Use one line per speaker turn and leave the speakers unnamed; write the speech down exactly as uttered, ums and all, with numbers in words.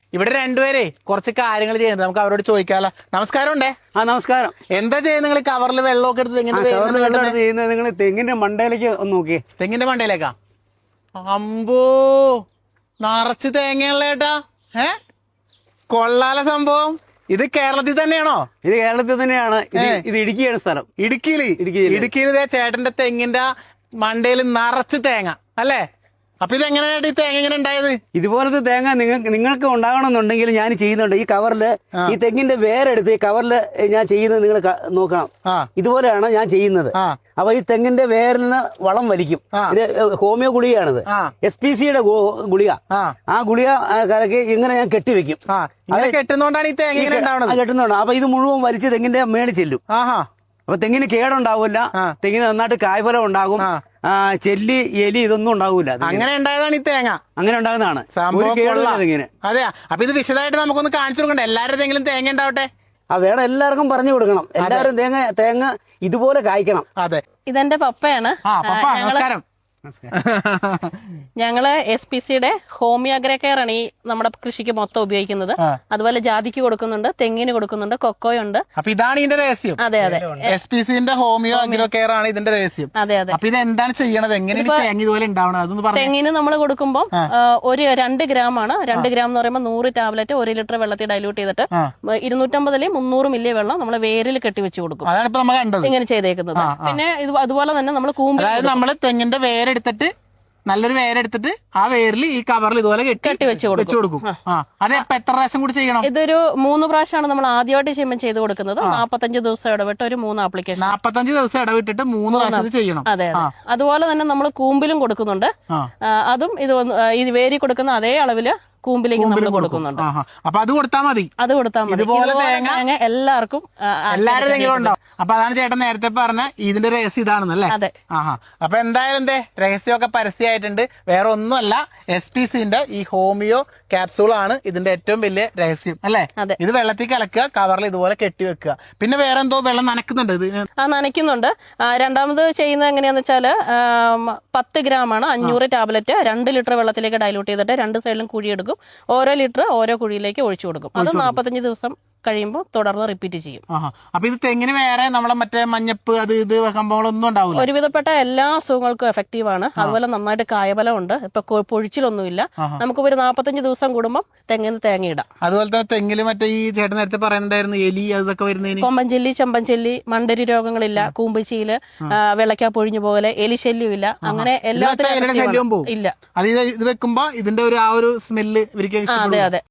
ഇവിടെ രണ്ടുപേരെ കുറച്ച് കാര്യങ്ങൾ ചെയ്യുന്നത് നമുക്ക് അവരോട് ചോദിക്കാലോ. നമസ്കാരം ഉണ്ടേ.
ആ നമസ്കാരം.
എന്താ ചെയ്യുന്നത് നിങ്ങൾ? കവറിൽ വെള്ളമൊക്കെ എടുത്ത് തെങ്ങിന്റെ
ചെയ്യുന്നത് നിങ്ങൾ തെങ്ങിന്റെ മണ്ടയിലേക്ക് ഒന്ന് നോക്കിയേ.
തെങ്ങിന്റെ മണ്ടയിലേക്കാ? അമ്പോ, നിറച്ച് തേങ്ങയുള്ള ഏട്ടാ. ഏ കൊള്ളാല സംഭവം. ഇത് കേരളത്തിൽ തന്നെയാണോ?
ഇത് കേരളത്തിൽ തന്നെയാണ്. ഇത് ഇടുക്കിയാണ് സ്ഥലം.
ഇടുക്കിയില് ഇടുക്കിയിൽ ചേട്ടന്റെ തെങ്ങിന്റെ മണ്ടയിൽ നിറച്ച് തേങ്ങ അല്ലേ? അപ്പൊ ഇത് എങ്ങനെയായിട്ട് ഈ തേങ്ങ ഇങ്ങനെ ഉണ്ടായത്?
ഇതുപോലത്തെ തേങ്ങ നിങ്ങൾക്ക് നിങ്ങൾക്ക് ഉണ്ടാകണമെന്നുണ്ടെങ്കിൽ ഞാൻ ചെയ്യുന്നുണ്ട്. ഈ കവറില് ഈ തെങ്ങിന്റെ വേരെടുത്ത് ഈ കവറില് ഞാൻ ചെയ്യുന്നത് നിങ്ങൾ നോക്കണം. ഇതുപോലെയാണ് ഞാൻ ചെയ്യുന്നത്. അപ്പൊ ഈ തെങ്ങിന്റെ വേരിൽ നിന്ന് വളം വലിക്കും. ഇത് ഹോമിയോ ഗുളികയാണിത്, എസ് പി സിയുടെ ഗുളിക. ആ ഗുളിക കലക്കി ഇങ്ങനെ ഞാൻ കെട്ടിവെക്കും.
കെട്ടുന്നോണ്ടാണ് ഈ തേങ്ങ
കെട്ടുന്നോണ്ട്. അപ്പൊ ഇത് മുഴുവൻ വലിച്ച് തെങ്ങിന്റെ മേളിൽ ചെല്ലും. അപ്പൊ തെങ്ങിന് കേടുണ്ടാവില്ല, തെങ്ങിന് നന്നായിട്ട് കായ്ഫലം ഉണ്ടാകും, ചെല്ലി എലി ഇതൊന്നും ഉണ്ടാവൂല.
അങ്ങനെ ഉണ്ടായതാണ് ഈ തേങ്ങ.
അങ്ങനെ ഉണ്ടാകുന്നതാണ് തെങ്ങിന്.
അതെയാ? അപ്പൊ ഇത് വിശദമായിട്ട് നമുക്കൊന്ന് കാണിച്ചു കൊടുക്കണ്ടേ? എല്ലാവരുടെ തെങ്ങിലും തേങ്ങ ഉണ്ടാവട്ടെ.
ആ വേണം, എല്ലാവർക്കും പറഞ്ഞു കൊടുക്കണം. എല്ലാവരും തേങ്ങ തേങ്ങ ഇതുപോലെ കായ്ക്കണം.
അതെ,
ഇതെന്റെ പപ്പയാണ്.
നമസ്കാരം.
ഞങ്ങള് എസ് പി സിയുടെ ഹോമിയോ അഗ്രോ കെയർ ആണ് ഈ നമ്മുടെ കൃഷിക്ക് മൊത്തം ഉപയോഗിക്കുന്നത്. അതുപോലെ ജാതിക്ക് കൊടുക്കുന്നുണ്ട്, തെങ്ങിന് കൊടുക്കുന്നുണ്ട്, കൊക്കോയുണ്ട്.
അപ്പൊ ഇതാണ് ഇതിന്റെ രഹസ്യം.
അതെ അതെ,
എസ് പി സിന്റെ ഹോമിയോ അഗ്രോ കെയർ ആണ് ഇതിന്റെ രഹസ്യം.
അതെ അതെ.
അപ്പൊ ഇത് എന്താണ് ചെയ്യണത്? എങ്ങനെയാണ് തേങ്ങ ഇതുപോലെ ഉണ്ടാവണത്? അതൊന്ന് പറഞ്ഞു.
തെങ്ങിന് നമ്മൾ കൊടുക്കുമ്പോൾ ഒരു രണ്ട് ഗ്രാം ആണ്. രണ്ട് ഗ്രാം എന്ന് പറയുമ്പോൾ നൂറ് ടാബ്ലറ്റ് ഒരു ലിറ്റർ വെള്ളത്തിൽ ഡൈല്യൂട്ട് ചെയ്തിട്ട് ഇരുന്നൂറ്റമ്പതില് മുന്നൂറ് മില്ലി വെള്ളം നമ്മൾ വേരിൽ കെട്ടിവെച്ച് കൊടുക്കും.
അതാണ് ഇപ്പൊ നമ്മൾ കണ്ടത്
ഇങ്ങനെ ചെയ്തേക്കുന്നത്. പിന്നെ ഇത് അതുപോലെ തന്നെ നമ്മൾ കൂമ്പ്,
അതായത് നമ്മള് തെങ്ങിന്റെ വേരെടുത്തിട്ട് നല്ലൊരു വേരെടുത്തിട്ട് ആ വേരിൽ ഈ കവറിൽ ഇതുപോലെ കെട്ടി വെച്ച് കൊടുക്കും. അത് എത്ര പ്രാവശ്യം കൂടി ചെയ്യണം?
ഇതൊരു മൂന്ന് പ്രാവശ്യമാണ് നമ്മൾ ആദ്യമായിട്ട് ചെയ്യുമ്പോൾ ചെയ്ത് കൊടുക്കുന്നത്. നാപ്പത്തഞ്ച് ദിവസം ഇടവിട്ട് ഒരു മൂന്ന് ആപ്ലിക്കേഷൻ.
നാപ്പത്തഞ്ച് ദിവസം ഇടവിട്ടിട്ട് മൂന്ന് പ്രാവശ്യം ചെയ്യണം.
അതെ അതെ. അതുപോലെ തന്നെ നമ്മൾ കൂമ്പിലും കൊടുക്കുന്നുണ്ട്. അതും ഇത് ഇത് വേരി കൊടുക്കുന്ന അതേ അളവില് കൂമ്പിലേക്ക് നമ്മൾ കൊടുക്കുന്നുണ്ട്.
അപ്പൊ അത് കൊടുത്താൽ മതി.
അത് കൊടുത്താൽ മതി.
ഇതുപോലെ തേങ്ങ
എല്ലാവർക്കും
എല്ലാവരും തെങ്ങിലും ഉണ്ടാവും. അപ്പൊ അതാണ് ചേട്ടൻ നേരത്തെ പറഞ്ഞ ഇതിന്റെ രഹസ്യം ഇതാണെന്നല്ലേ?
അതെ.
ആഹാ. അപ്പൊ എന്തായാലും എന്തേ രഹസ്യമൊക്കെ പരസ്യമായിട്ടുണ്ട്. വേറെ ഒന്നുമല്ല, എസ് പി സിന്റെ ഈ ഹോമിയോ ക്യാപ്സൂൾ ആണ് ഇതിന്റെ ഏറ്റവും വലിയ രഹസ്യം അല്ലേ? ഇത് വെള്ളത്തിൽ കലക്കുക, കവറിൽ ഇതുപോലെ കെട്ടിവെക്കുക. പിന്നെ വേറെ എന്തോ വെള്ളം നനക്കുന്നുണ്ട്. ഇത്
ആ നനയ്ക്കുന്നുണ്ട്. രണ്ടാമത് ചെയ്യുന്നത് എങ്ങനെയാന്ന് വെച്ചാല് പത്ത് ഗ്രാം ആണ് അഞ്ഞൂറ് ടാബ്ലറ്റ് രണ്ട് ലിറ്റർ വെള്ളത്തിലേക്ക് ഡൈലൂട്ട് ചെയ്തിട്ട് രണ്ട് സൈഡിലും കുഴിയെടുക്കും. ഓരോ ലിറ്റർ ഓരോ കുഴിയിലേക്ക് ഒഴിച്ചു കൊടുക്കും. അത് നാപ്പത്തഞ്ച് ദിവസം കഴിയുമ്പോൾ തുടർന്ന് റിപ്പീറ്റ് ചെയ്യും.
അപ്പൊ ഇത് തെങ്ങിന് വേറെ നമ്മളെ മറ്റേ മഞ്ഞപ്പ് അത് ഇത് സംഭവങ്ങളൊന്നും ഉണ്ടാവില്ല?
ഒരുവിധപ്പെട്ട എല്ലാ അസുഖങ്ങൾക്കും എഫക്റ്റീവ് ആണ്. അതുപോലെ നന്നായിട്ട് കായബലം ഉണ്ട്. ഇപ്പൊ പൊഴിച്ചിലൊന്നുമില്ല. നമുക്ക് ഒരു നാപ്പത്തഞ്ച് ദിവസം കൂടുമ്പോൾ തെങ്ങിന് തേങ്ങ ഇടാം.
അതുപോലെ തന്നെ തെങ്ങില് മറ്റേ ഈ ചേട്ടൻ നേരത്തെ പറയുന്നുണ്ടായിരുന്നു എലി അതൊക്കെ വരുന്നതിന്
കൊമ്പൻചെല്ലി, ചെമ്പൻചെല്ലി, മണ്ടരി രോഗങ്ങളില്ല, കൂമ്പച്ചീല്, വെള്ളക്കാ പൊഴിഞ്ഞു പോലെ, എലിശല്യം ഇല്ല. അങ്ങനെ എല്ലാത്തിനും ഇല്ല.
അത് ഇത് വെക്കുമ്പോ ഇതിന്റെ ഒരു ആ ഒരു സ്മെല്ല് ഇവർക്ക്
അതെ അതെ.